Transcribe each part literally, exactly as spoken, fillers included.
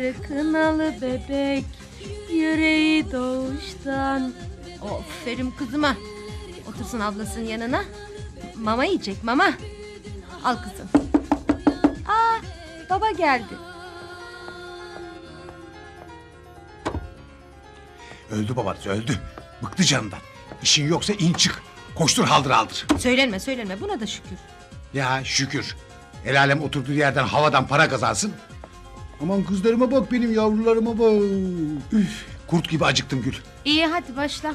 sarı kınalı bebek, yüreği doğuştan. Aferin kızıma. Otursun ablasının yanına. Mama yiyecek mama. Al kızım. Aa, baba geldi. Öldü babanız öldü. Bıktı canından. İşin yoksa in çık. Koştur haldır haldır. Söylenme söylenme, buna da şükür. Ya şükür. El alem oturduğu yerden havadan para kazansın. Aman kızlarıma bak, benim yavrularıma bak. Üf, kurt gibi acıktım Gül. İyi hadi başla.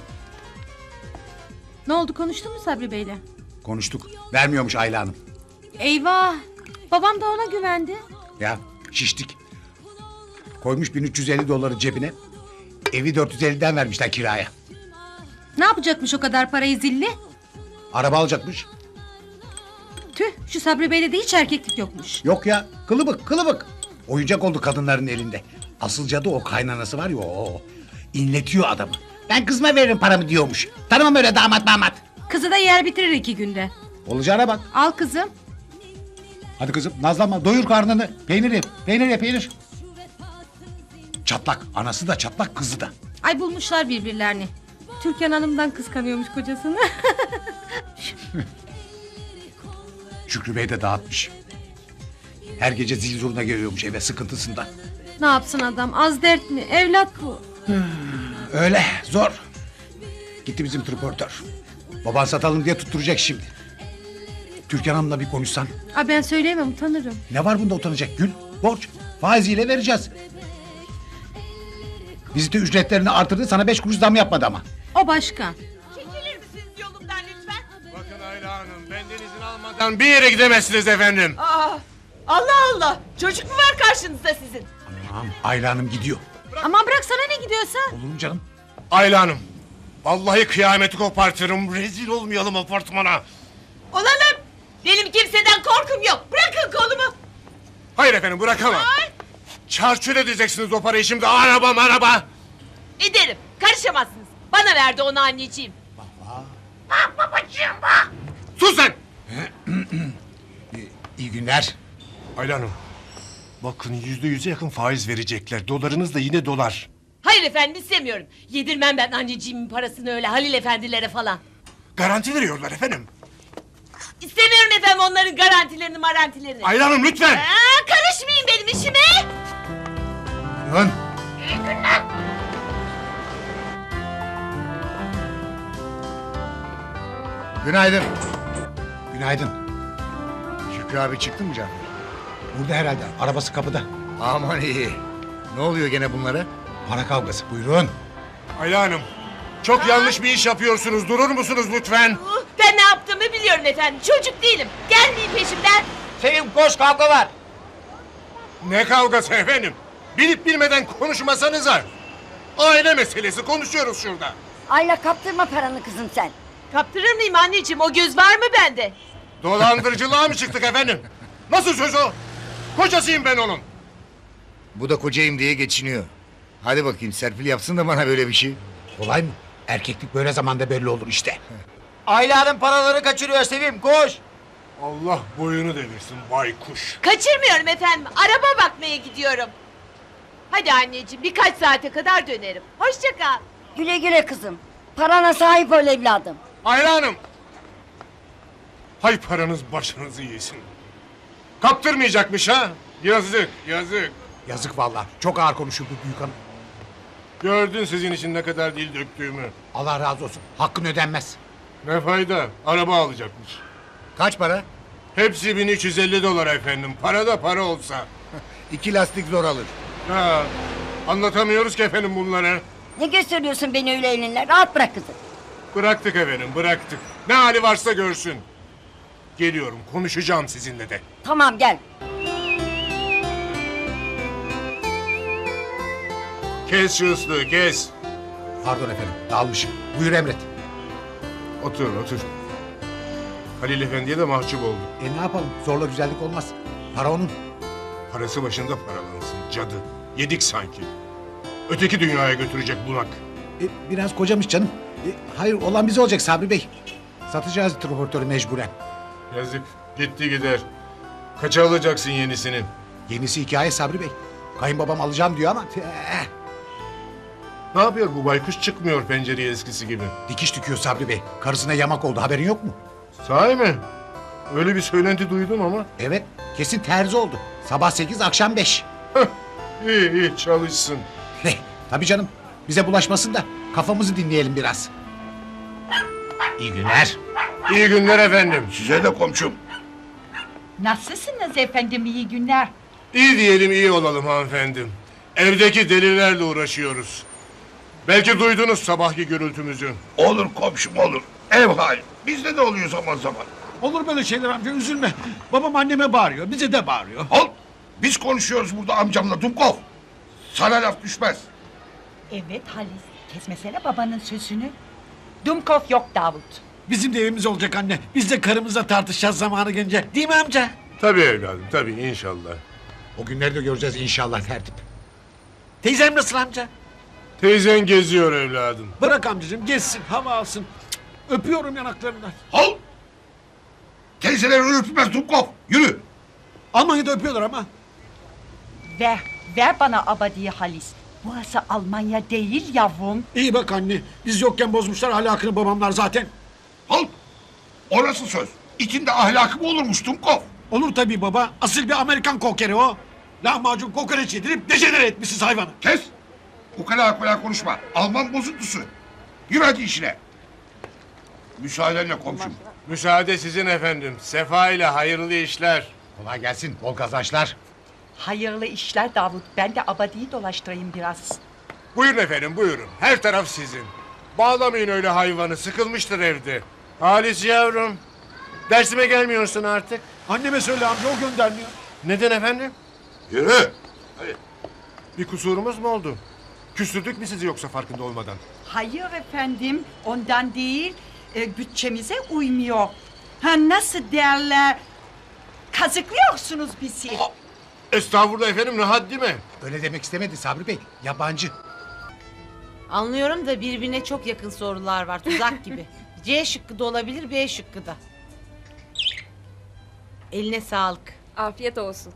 Ne oldu, konuştun mu Sabri Bey'le? Konuştuk. Vermiyormuş Ayla Hanım. Eyvah. Babam da ona güvendi. Ya şiştik. Koymuş bin üç yüz elli doları cebine. Evi dört yüz elliden vermişler kiraya. Ne yapacakmış o kadar parayı zilli? Araba alacakmış. Tüh, şu Sabri Bey'de de hiç erkeklik yokmuş. Yok ya, kılıbık kılıbık. Oyuncak oldu kadınların elinde. Asıl cadı o kaynanası var ya, o. İnletiyor adamı. Ben kızıma veririm paramı diyormuş. Tanımam öyle damat damat. Kızı da yer bitirir iki günde. Olacağına bak. Al kızım. Hadi kızım nazlanma, doyur karnını. Peynir ye, peynir ye, peynir. Çatlak, anası da çatlak, kızı da. Ay bulmuşlar birbirlerini. Türkan Hanım'dan kıskanıyormuş kocasını. Şükrü Bey de dağıtmış. Her gece zil zurna geliyormuş eve sıkıntısından. Ne yapsın adam, az dert mi? Evlat bu. Öyle, zor. Gitti bizim tripörtör. Baban satalım diye tutturacak şimdi. Türkan Hanım'la bir konuşsan. Aa, ben söyleyemem, utanırım. Ne var bunda utanacak Gül? Borç. Faiziyle vereceğiz. Vizite ücretlerini artırdı, sana beş kuruş zam yapmadı ama. O başka. Çekilir misiniz yolumdan lütfen? Bakın Ayla Hanım, benden izin almadan bir yere gidemezsiniz efendim. Aa, Allah Allah! Çocuk mu var karşınızda sizin? Tamam, Ayla Hanım gidiyor. Aman bırak, sana ne gidiyorsa. Olur mu canım? Ayla Hanım, vallahi kıyameti kopartırım, rezil olmayalım apartmana. Olalım! Benim kimseden korkum yok. Bırakın kolumu. Hayır efendim, bırakamam. Ay! Çarçur edeceksiniz o parayı şimdi, araba araba. Ederim. Karışamazsınız. Bana verdi onu anneciğim. Sus sen! İyi günler. Ayla Hanım, bakın yüzde yüze yakın faiz verecekler, dolarınız da yine dolar. Hayır efendim, istemiyorum. Yedirmem ben anneciğimin parasını öyle Halil efendilere falan. Garanti veriyorlar efendim. İstemiyorum efendim onların garantilerini marantilerini. Ayla Hanım lütfen! Aa, karışmayın benim işime. Dön. Günaydın. Günaydın. Şükrü abi çıktı mı Cafer? Burada herhalde, arabası kapıda. Aman iyi. Ne oluyor gene bunlara? Para kavgası, buyurun. Ayla Hanım, çok yanlış bir iş yapıyorsunuz, durur musunuz lütfen? Uh, Ben ne yaptığımı biliyorum efendim. Çocuk değilim. Gelmeyin peşimden. Sevim koş, kavga var. Ne kavgası efendim? Bilip bilmeden konuşmasanıza. Aile meselesi, konuşuyoruz şurada. Ayla kaptırma paranı kızım sen. Kaptırır mıyım anneciğim? O göz var mı bende? Dolandırıcılığa mı çıktık efendim? Nasıl söz o? Kocasıyım ben onun. Bu da kocayım diye geçiniyor. Hadi bakayım Serpil yapsın da bana böyle bir şey. Kolay mı? Erkeklik böyle zamanda belli olur işte. Ayla'nın paraları kaçırıyor Sevim, koş. Allah boyunu devirsin baykuş. Kaçırmıyorum efendim. Araba bakmaya gidiyorum. Hadi anneciğim, birkaç saate kadar dönerim. Hoşça kal. Güle güle kızım. Parana sahip ol evladım. Ayla Hanım. Hay paranız başınızı yesin. Kaptırmayacakmış ha? Yazık, yazık. Yazık vallahi. Çok ağır konuşuldu büyük hanım. Gördün sizin için ne kadar dil döktüğümü. Allah razı olsun. Hakkın ödenmez. Ne fayda? Araba alacakmış. Kaç para? Hepsi bin üç yüz elli dolar efendim. Para da para olsa. İki lastik zor alır. Ha, anlatamıyoruz ki efendim bunları. Ne gösteriyorsun beni öyle elinle? Rahat bırak kızım. Bıraktık efendim, bıraktık. Ne hali varsa görsün. Geliyorum, konuşacağım sizinle de. Tamam gel. Kes şu ıslığı, kes. Pardon efendim, dağılmışım. Buyur emret. Otur, otur. Halil Efendi'ye de mahcup olduk. E ne yapalım? Zorla güzellik olmaz. Para onun. Parası başında paralansın, cadı. Yedik sanki. Öteki dünyaya götürecek bunak. E, biraz kocamış canım. E, hayır, olan bize olacak Sabri Bey. Satacağız transportörü mecburen. Yazık, gitti gider. Kaça alacaksın yenisini? Yenisi hikaye Sabri Bey. Kayınbabam alacağım diyor ama eh, Ne yapıyor bu baykuş, çıkmıyor pencereye eskisi gibi. dikiş dikiyor Sabri Bey. Karısına yamak oldu, haberin yok mu? Sahi mi? Öyle bir söylenti duydum ama. Evet, kesin terzi oldu. Sabah sekiz, akşam beş. Heh, iyi iyi çalışsın. Heh, tabii canım. Bize bulaşmasın da kafamızı dinleyelim biraz. İyi günler. İyi günler efendim. Size de komşum. Nasılsınız efendim, iyi günler. İyi diyelim, iyi olalım hanımefendim. Evdeki delilerle uğraşıyoruz. Belki duydunuz sabahki gürültümüzü. Olur komşum olur. Ev hali. Bizde de oluyor zaman zaman. Olur böyle şeyler amca, üzülme. Babam anneme bağırıyor, bize de bağırıyor. Al. Biz konuşuyoruz burada amcamla Dumkov. Sana laf düşmez. Evet Halis, kesmesene babanın sözünü. Dumkov yok Davut. Bizim de evimiz olacak anne. Biz de karımızla tartışacağız zamanı gelince. Değil mi amca? Tabii evladım, tabii inşallah. O günleri de göreceğiz inşallah tertip. Teyzem nasıl amca? Teyzen geziyor evladım. Bırak amcacığım, gezsin, hava alsın. Cık, öpüyorum yanaklarından. Al. Teyzeler öpmez Dumkov. Yürü. Almanya'da öpüyorlar ama. Ver, ver bana abadiyi Halis. Burası Almanya değil yavrum. İyi bak anne, biz yokken bozmuşlar ahlakını babamlar zaten. Al. O nasıl söz? İçinde ahlakı mı olurmuş Dumkov? Olur tabii baba, asıl bir Amerikan kokeri o. Lahmacun kokoreç yedirip dejenere etmişsiniz hayvanı. Kes. Bu kadar kolay konuşma. Alman bozuntusu. Yürü hadi işine. Müsaadenle komşum. Müsaade sizin efendim. Sefa ile hayırlı işler. Kolay gelsin, bol kazançlar. Hayırlı işler Davut. Ben de abadiyi dolaştırayım biraz. Buyurun efendim, buyurun. Her taraf sizin. Bağlamayın öyle hayvanı, sıkılmıştır evde. Halis yavrum, dersime gelmiyorsun artık. Anneme söyle amca, o göndermiyor. Neden efendim? Yürü. Bir kusurumuz mu oldu? Küstürdük mü sizi yoksa farkında olmadan? Hayır efendim, ondan değil. E, bütçemize uymuyor. Ha nasıl derler? Kazıklıyorsunuz bizi. Estağfurullah efendim, ne haddi mi? Öyle demek istemedi Sabri Bey, yabancı. Anlıyorum da birbirine çok yakın sorular var, tuzak gibi. C şıkkı da olabilir, B şıkkı da. Eline sağlık. Afiyet olsun.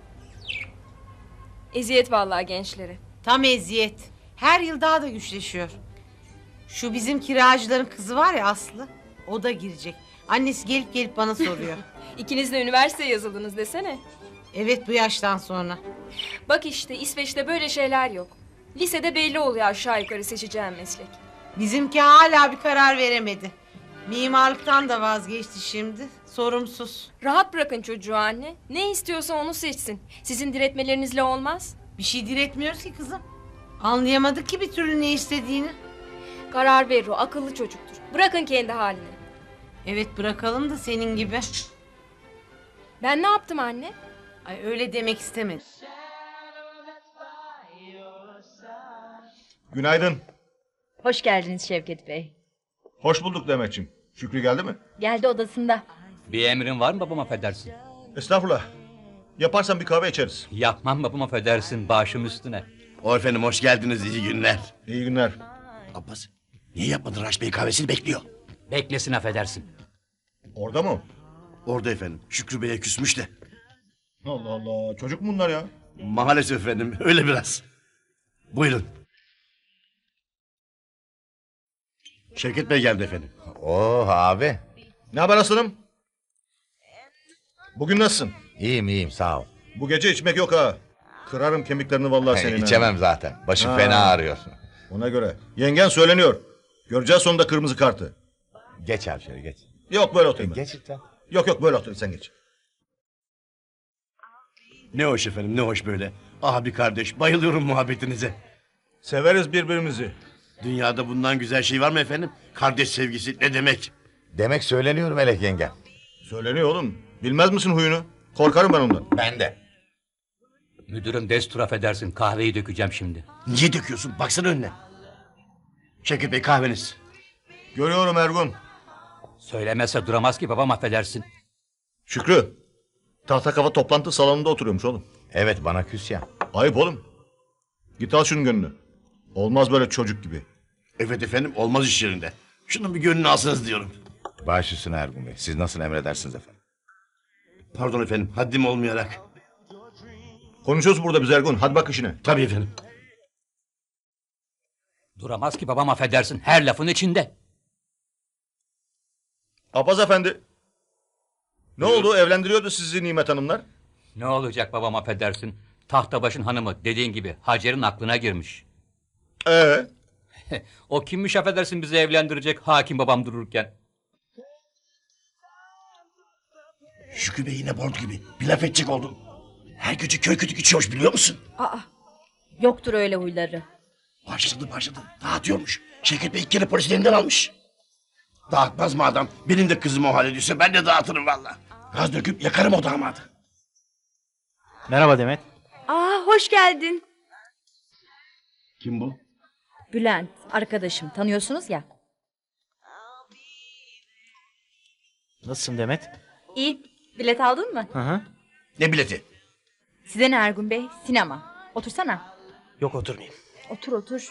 Eziyet vallahi gençlere. Tam eziyet. Her yıl daha da güçleşiyor. Şu bizim kiracıların kızı var ya Aslı, o da girecek. Annesi gelip gelip bana soruyor. İkiniz de üniversiteye yazıldınız desene. Evet, bu yaştan sonra. Bak işte İsveç'te böyle şeyler yok. Lisede belli oluyor aşağı yukarı seçeceğim meslek. Bizimki hala bir karar veremedi. Mimarlıktan da vazgeçti şimdi. Sorumsuz. Rahat bırakın çocuğu anne. Ne istiyorsa onu seçsin. Sizin diretmelerinizle olmaz. Bir şey diretmiyoruz ki kızım. Anlayamadık ki bir türlü ne istediğini. Karar verir o, akıllı çocuktur. Bırakın kendi haline. Evet, bırakalım da senin gibi. Ben ne yaptım anne? Ay, öyle demek istemedim. Günaydın. Hoş geldiniz Şevket Bey. Hoş bulduk Demetciğim. Şükrü geldi mi? Geldi odasında. Bir emrin var mı babam, affedersin? Estağfurullah. Yaparsan bir kahve içeriz. Yapmam babam, affedersin, başım üstüne. O efendim hoş geldiniz, iyi günler. İyi günler. Abbas niye yapmadın Raş Bey, kahvesini bekliyor. Beklesin, affedersin. Orada mı? Orada efendim, Şükrü Bey'e küsmüş de. Allah Allah, çocuk mu bunlar ya? Maalesef efendim, öyle biraz. Buyurun. Şevket Bey geldi efendim. Oh abi. Ne haber aslanım? Bugün nasılsın? İyiyim iyiyim sağ ol. Bu gece içmek yok ha. Kırarım kemiklerini vallahi senin. ha. İçemem zaten. Başım Ha. fena ağrıyor. Ona göre. Yengen söyleniyor. Göreceğiz sonunda kırmızı kartı. Geç abi şöyle geç. Yok böyle oturayım. ben. Geç lütfen. Yok yok böyle otur sen geç. Ne hoş efendim, ne hoş böyle. Abi kardeş, bayılıyorum muhabbetinize. Severiz birbirimizi. Dünyada bundan güzel şey var mı efendim? Kardeş sevgisi ne demek? Demek söyleniyor Melek yenge. Söyleniyor oğlum. Bilmez misin huyunu? Korkarım ben ondan. Ben de. Müdürüm destur, affedersin, kahveyi dökeceğim şimdi. Niye döküyorsun? Baksana önüne. Şevket Bey kahveniz. Görüyorum Ergun. Söylemezse duramaz ki babam, affedersin. Şükrü. Tahta kafa toplantı salonunda oturuyormuş oğlum. Evet bana küs ya. Ayıp oğlum. Git al şunun gönlünü. Olmaz böyle çocuk gibi. Evet efendim, olmaz iş yerinde. Şunun bir gönlünü alsanız diyorum. Baş üstüne Ergun Bey. Siz nasıl emredersiniz efendim? Pardon efendim, haddim olmayarak. Konuşuyoruz burada biz Ergun. Hadi bak işine. Tabii efendim. Duramaz ki babam, affedersin. Her lafın içinde. Apaz efendi. Ne oldu? Evlendiriyordu sizi Nimet Hanımlar. Ne olacak babam, affedersin. Tahtabaş'ın hanımı dediğin gibi Hacer'in aklına girmiş. Ee? O kimmiş affedersin bizi evlendirecek hakim babam dururken. Şükrü Bey yine borç gibi. Bir laf edecek oldum. Her gece köy kütük içiyormuş biliyor musun? Aa, yoktur öyle huyları. Başladı başladı. Dağıtıyormuş. Şevket Bey ilk kere polis elinden almış. Dağıtmaz mı adam? Benim de kızım o hale düşse ben de dağıtırım valla. Gaz döküp yakarım o damadı. Merhaba Demet. Aa, hoş geldin. Kim bu? Bülent, arkadaşım. Tanıyorsunuz ya. Nasılsın Demet? İyi. Bilet aldın mı? Hı hı. Ne bileti? Size ne Ergun Bey? Sinema. Otursana. Yok oturmayayım. Otur otur.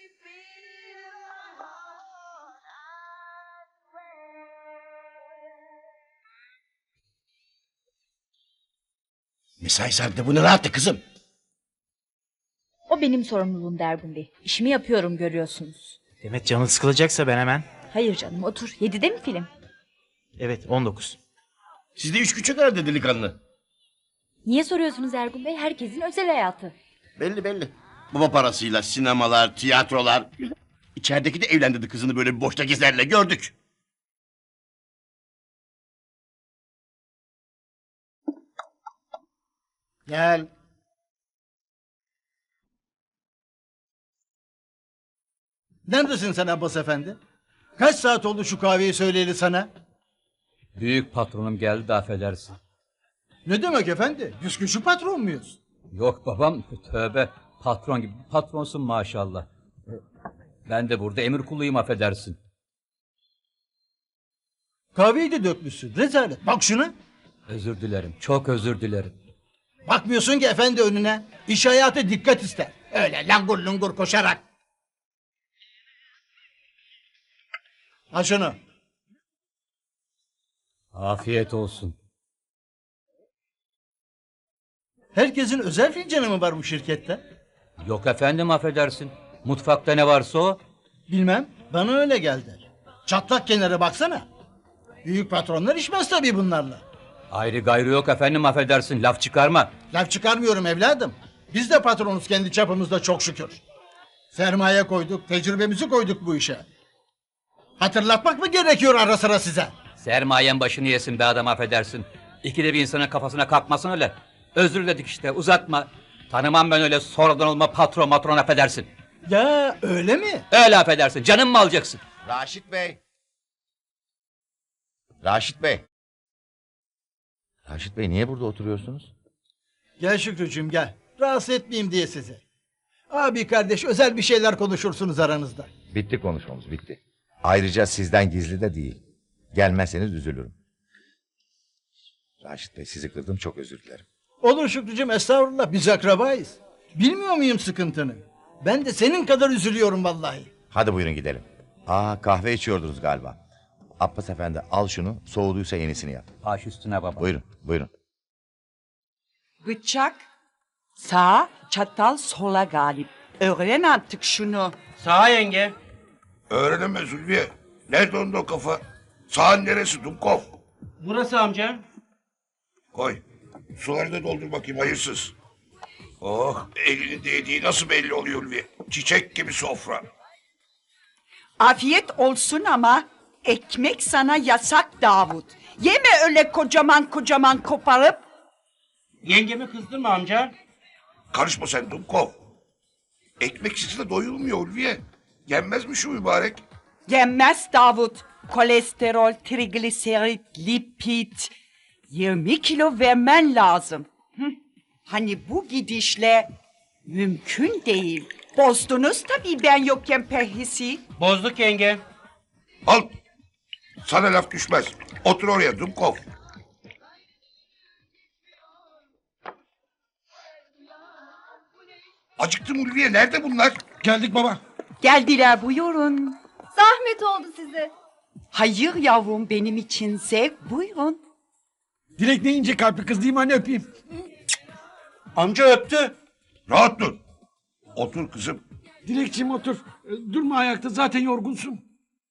Mesai saatinde bu ne rahattı kızım? O benim sorumluluğum Ergun Bey. İşimi yapıyorum, görüyorsunuz. Demet canın sıkılacaksa ben hemen. Hayır canım, otur. Yedide mi film? Evet on dokuz. Sizde üç küçük herhalde delikanlı. Niye soruyorsunuz Ergun Bey? Herkesin özel hayatı. Belli belli. Baba parasıyla sinemalar, tiyatrolar. İçerideki de evlendirdi kızını böyle bir boşta gezerle gördük. Gel. Neredesin sen Abbas efendi? Kaç saat oldu şu kahveyi söyleyeli sana? Büyük patronum geldi de affedersin. Ne demek efendi? Biz küçük patron muyuz? Yok babam, tövbe. Patron gibi patronsun maşallah. Ben de burada emir kuluyum, affedersin. Kahveyi de dökmüşsün. Rezalet. Bak şuna. Özür dilerim, çok özür dilerim. Bakmıyorsun ki efendi önüne. İş hayatı dikkat ister. Öyle langur lungur koşarak. Al şunu. Afiyet olsun. Herkesin özel fincanı mı var bu şirkette? Yok efendim, affedersin. Mutfakta ne varsa o. Bilmem. Bana öyle geldi. Çatlak kenara baksana. Büyük patronlar içmez tabii bunlarla. Ayrı gayrı yok efendim, affedersin. Laf çıkarma. Laf çıkarmıyorum evladım. Biz de patronuz kendi çapımızda çok şükür. Sermaye koyduk, tecrübemizi koyduk bu işe. Hatırlatmak mı gerekiyor ara sıra size? Sermayen başını yesin be adam, affedersin. İkide bir insanın kafasına kalkmasın öyle. Özür dedik işte, uzatma. Tanımam ben öyle sonradan olma patron matron, affedersin. Ya öyle mi? Öyle affedersin. Canım mı alacaksın? Raşit Bey. Raşit Bey. Raşit Bey niye burada oturuyorsunuz? Gel Şükrücüğüm gel. Rahatsız etmeyeyim diye sizi. Abi kardeş özel bir şeyler konuşursunuz aranızda. Bitti konuşmamız bitti. Ayrıca sizden gizli de değil. Gelmezseniz üzülürüm. Raşit Bey sizi kırdım, çok özür dilerim. Olur Şükrücüğüm, estağfurullah, biz akrabayız. Bilmiyor muyum sıkıntını? Ben de senin kadar üzülüyorum vallahi. Hadi buyurun gidelim. Aa kahve içiyordunuz galiba. Abbas efendi al şunu, soğuduysa yenisini yap. Baş üstüne baba. Buyurun buyurun. Bıçak sağ, çatal sola galip. Öğren artık şunu. Sağ yenge. Öğrenemez Ulviye. Nerede onda o kafa? Sağın neresi Dumkov? Burası amca. Koy. Suları da doldur bakayım hayırsız. Oh, elinin değdiği nasıl belli oluyor Ulviye? Çiçek gibi sofra. Afiyet olsun ama ekmek sana yasak Davut. Yeme öyle kocaman kocaman koparıp. Yengemi kızdırma amca. Karışma sen Dumkov. Ekmeksiz de doyulmuyor Ulviye. Yenmez mi şu mübarek? Yenmez Davut. Kolesterol, trigliserit, lipid. yirmi kilo vermen lazım. Hı. Hani bu gidişle mümkün değil. Bozdunuz tabii ben yokken perhisi. Bozduk yenge. Al. Sana laf düşmez. Otur oraya Dumkov. Acıktım Ulviye. Nerede bunlar? Geldik baba. Geldiler buyurun. Zahmet oldu size. Hayır yavrum benim için zevk buyurun. Dilek ne ince kalpli kız değil mi anne, öpeyim. Amca öptü. Rahat dur. Otur kızım. Dilekçim otur. E, Durma ayakta, zaten yorgunsun.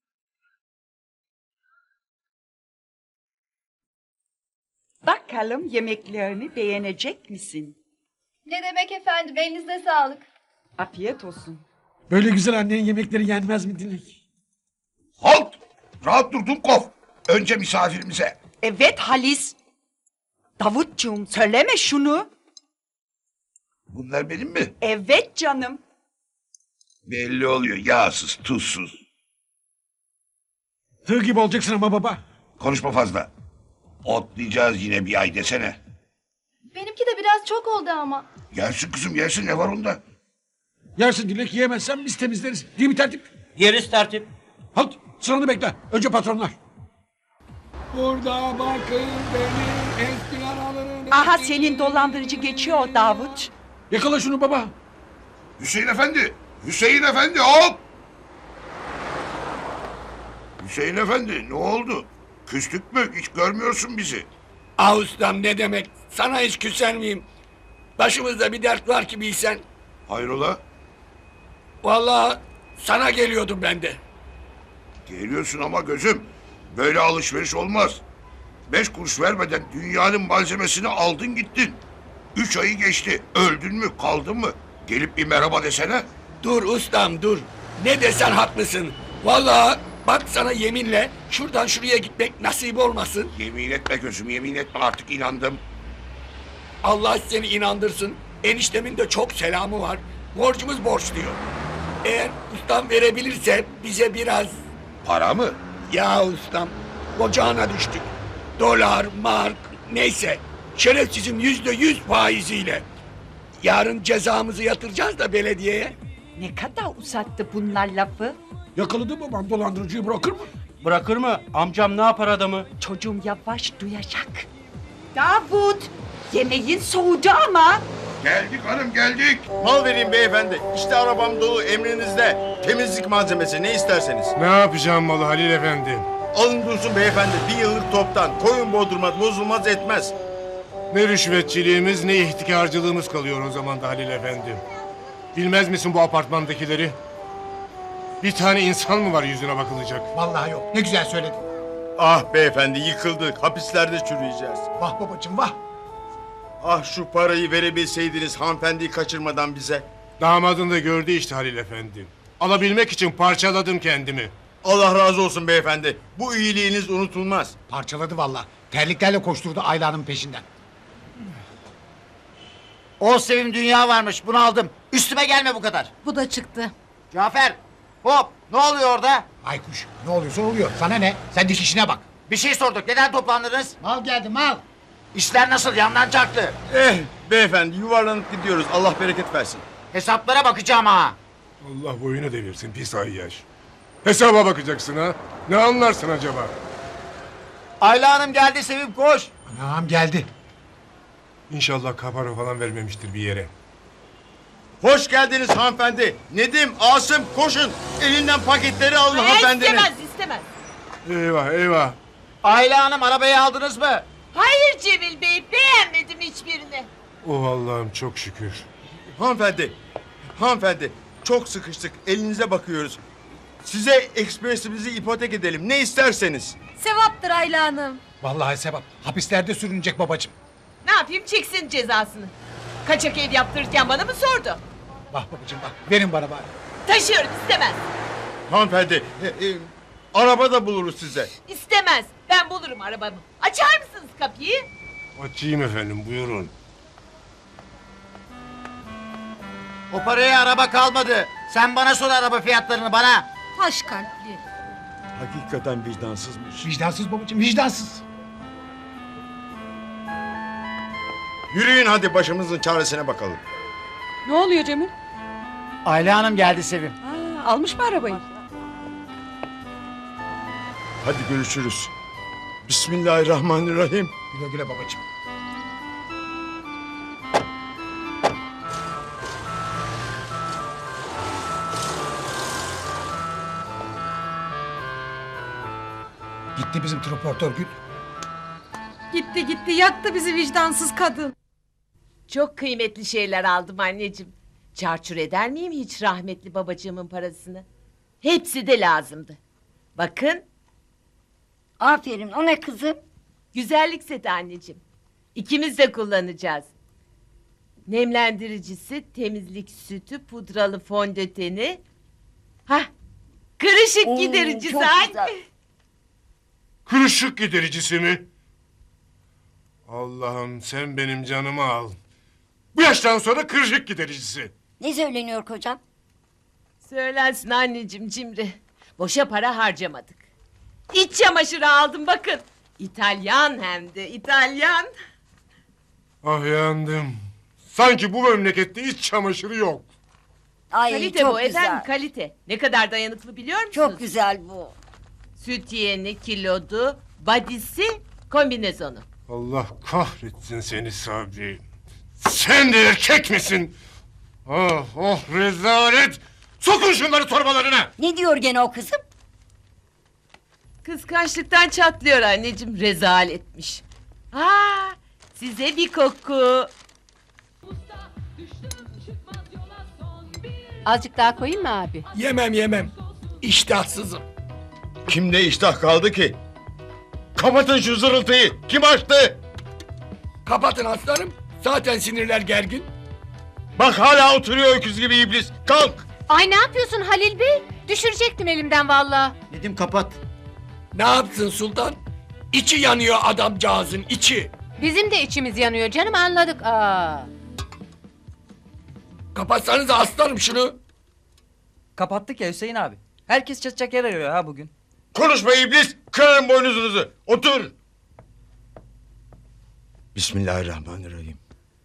Bakalım yemeklerini beğenecek misin? Ne demek efendim, elinize sağlık. Afiyet olsun. Böyle güzel annenin yemekleri yenmez mi Dilek? Halt. Rahat dur Dumkov. Önce misafirimize. Evet Halis. Davutcuğum söyleme şunu. Bunlar benim mi? Evet canım. Belli oluyor. Yağsız, tuzsuz. Tığ gibi olacaksın ama baba. Konuşma fazla. Otlayacağız yine bir ay desene. Benimki de biraz çok oldu ama. Yersin kızım yersin, ne var onda? Yersin Dilek, yiyemezsen biz temizleriz. Değil mi tertip? Yeriz tertip. Halt, sıranı bekle. Önce patronlar. Burada bakın beni eski araların... Aha senin dolandırıcı geçiyor Davut. Yakala şunu baba. Hüseyin Efendi. Hüseyin Efendi hop. Hüseyin Efendi ne oldu? Küstük mü? Hiç görmüyorsun bizi. Ah ustam, ne demek? Sana hiç küser miyim? Başımızda bir dert var ki bilsen. Hayrola? Vallahi sana geliyordum ben de. Geliyorsun ama gözüm. Böyle alışveriş olmaz. Beş kuruş vermeden dünyanın malzemesini aldın gittin. Üç ayı geçti. Öldün mü kaldın mı? Gelip bir merhaba desene. Dur ustam dur. Ne desen haklısın. Vallahi bak sana yeminle şuradan şuraya gitmek nasip olmasın. Yemin etme gözüm, yemin etme, artık inandım. Allah seni inandırsın. Eniştemin de çok selamı var. Borcumuz borç diyor. Eğer ustam verebilirse bize biraz... Para mı? Ya ustam, ocağına düştük. Dolar, mark, neyse. Şerefsizim yüzde yüz faiziyle. Yarın cezamızı yatıracağız da belediyeye. Ne kadar uzattı bunlar lafı? Yakaladı babam dolandırıcıyı, bırakır mı? Bırakır mı? Amcam ne yapar adamı? Çocuğum yavaş duyacak. Davut, yemeğin soğudu ama. Geldik hanım geldik. Mal vereyim beyefendi. İşte arabam dolu emrinizde. Temizlik malzemesi ne isterseniz. Ne yapacağım malı Halil Efendi? Alın dursun beyefendi. Bir yıllık toptan. Koyun bozdurmaz, bozulmaz etmez. Ne rüşvetçiliğimiz ne ihtikarcılığımız kalıyor o zaman da Halil Efendi. Bilmez misin bu apartmandakileri? Bir tane insan mı var yüzüne bakılacak? Vallahi yok. Ne güzel söyledin. Ah beyefendi yıkıldık. Hapislerde çürüyeceğiz. Vah babacığım vah. Ah şu parayı verebilseydiniz hanımefendiyi kaçırmadan bize. Damadın da gördü işte Halil Efendi. Alabilmek için parçaladım kendimi. Allah razı olsun beyefendi. Bu iyiliğiniz unutulmaz. Parçaladı vallahi. Terliklerle koşturdu Ayla'nın peşinden. O sevim dünya varmış, bunu aldım. Üstüme gelme bu kadar. Bu da çıktı. Cafer, hop, ne oluyor orada? Aykuş ne oluyorsa oluyor. Sana ne? Sen diş işine bak. Bir şey sorduk, neden toplandınız? Mal geldi mal. İşler nasıl, yandan çaktı? Eh beyefendi yuvarlanıp gidiyoruz. Allah bereket versin. Hesaplara bakacağım ha. Allah boyunu devirsin pis ayyaş. Hesaba bakacaksın ha. Ne anlarsın acaba? Ayla Hanım geldi Sevim, koş. Anam geldi. İnşallah kapara falan vermemiştir bir yere. Hoş geldiniz hanımefendi. Nedim, Asım koşun. Elinden paketleri alın hanımefendinin. İstemez istemez. Eyvah eyvah. Ayla Hanım arabayı aldınız mı? Hayır Cemil Bey, beğenmedim hiçbirini. Oh Allah'ım çok şükür. Hanımefendi, hanımefendi çok sıkıştık. Elinize bakıyoruz. Size ekspresimizi ipotek edelim. Ne isterseniz. Sevaptır Ayla Hanım. Vallahi sevap. Hapislerde sürünecek babacığım. Ne yapayım, çeksin cezasını. Kaçak ev yaptırırken bana mı sordu? Vah babacığım bak. Verin bana bari. Taşıyorum, istemez. Hanımefendi, e, e, araba da buluruz size. İstemez, ben bulurum arabamı. Açar mısınız kapıyı? Açayım efendim buyurun. O paraya araba kalmadı. Sen bana sor araba fiyatlarını bana. Taş kalpli. Hakikaten vicdansızmış. Vicdansız babacığım vicdansız. Yürüyün hadi başımızın çaresine bakalım. Ne oluyor Cemil? Ayla Hanım geldi Sevim. Ha, almış mı arabayı? Hadi görüşürüz. Bismillahirrahmanirrahim. Güle güle babacığım. Gitti bizim troportör Gül. Gitti gitti, yaktı bizi vicdansız kadın. Çok kıymetli şeyler aldım anneciğim. Çarçur eder miyim hiç rahmetli babacığımın parasını? Hepsi de lazımdı. Bakın. Aferin, o ne kızım? Güzellik seti anneciğim. İkimiz de kullanacağız. Nemlendiricisi, temizlik sütü, pudralı fondöteni. Hah, kırışık Oo, gidericisi. çok ay. güzel. Kırışık gidericisi mi? Allah'ım sen benim canımı al. Bu yaştan sonra kırışık gidericisi. Ne söyleniyor kocam? Söylensin anneciğim cimri. Boşa para harcamadık. İç çamaşırı aldım bakın. İtalyan hem de İtalyan. Ah yandım. Sanki bu memlekette iç çamaşırı yok. Ay Kalite çok bu güzel. efendim kalite. Ne kadar dayanıklı biliyor musunuz? Çok güzel bu. Süt yeni, kilodu, badisi, kombinezonu. Allah kahretsin seni Sabri. Sen de erkek misin? Oh oh rezalet. Sokun şunları torbalarına. Ne diyor gene o kızım? Kıskançlıktan çatlıyor anneciğim, rezaletmiş. Aa, size bir koku. Azıcık daha koyayım mı abi? Yemem yemem. İştahsızım. Kimde iştah kaldı ki? Kapatın şu zırıltıyı. Kim açtı? Kapatın aslanım. Zaten sinirler gergin. Bak hala oturuyor öküz gibi iblis. Kalk. Ay ne yapıyorsun Halil Bey? Düşürecektim elimden vallahi. Nedim kapat. Ne yapsın sultan? İçi yanıyor adamcağızın içi. Bizim de içimiz yanıyor canım anladık. Aa. Kapatsanız aslanım şunu. Kapattık ya Hüseyin abi. Herkes çatacak yer arıyor ha bugün. Konuşma iblis. Kırarım boynuzunuzu. Otur. Bismillahirrahmanirrahim.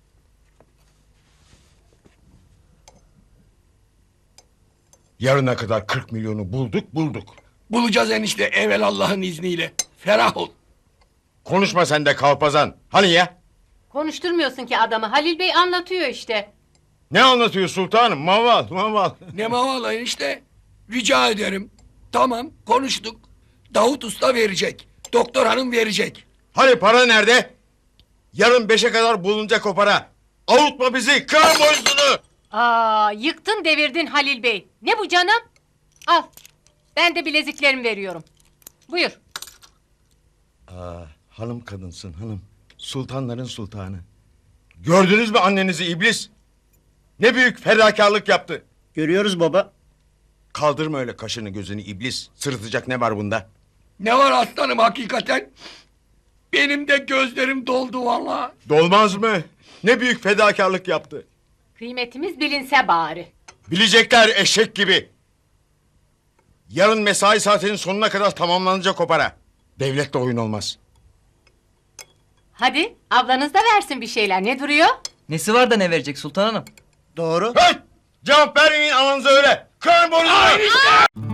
Yarına kadar kırk milyonu bulduk bulduk. Bulacağız enişte evvel Allah'ın izniyle. Ferah ol. Konuşma sen de kalpazan. Hani ya? Konuşturmuyorsun ki adamı. Halil Bey anlatıyor işte. Ne anlatıyor sultanım? Maval maval. Ne mavala enişte? Rica ederim. Tamam konuştuk. Davut Usta verecek. Doktor hanım verecek. Hani para nerede? Yarın beşe kadar bulunacak o para. Avutma bizi. Kır boynuzunu. Aa, yıktın devirdin Halil Bey. Ne bu canım? Al. Ben de bileziklerimi veriyorum. Buyur. Aa, hanım kadınsın hanım. Sultanların sultanı. Gördünüz mü annenizi iblis? Ne büyük fedakarlık yaptı. Görüyoruz baba. Kaldırma öyle kaşını gözünü iblis. Sırıtacak ne var bunda? Ne var aslanım hakikaten? Benim de gözlerim doldu valla. Dolmaz mı? Ne büyük fedakarlık yaptı. Kıymetimiz bilinse bari. Bilecekler eşek gibi. Yarın mesai saatinin sonuna kadar tamamlanacak o para. Devletle oyun olmaz. Hadi ablanız da versin bir şeyler. Ne duruyor? Nesi var da ne verecek Sultan Hanım? Doğru. Hey! Cevap vermeyin ananıza öyle. Kırın boynuzunu.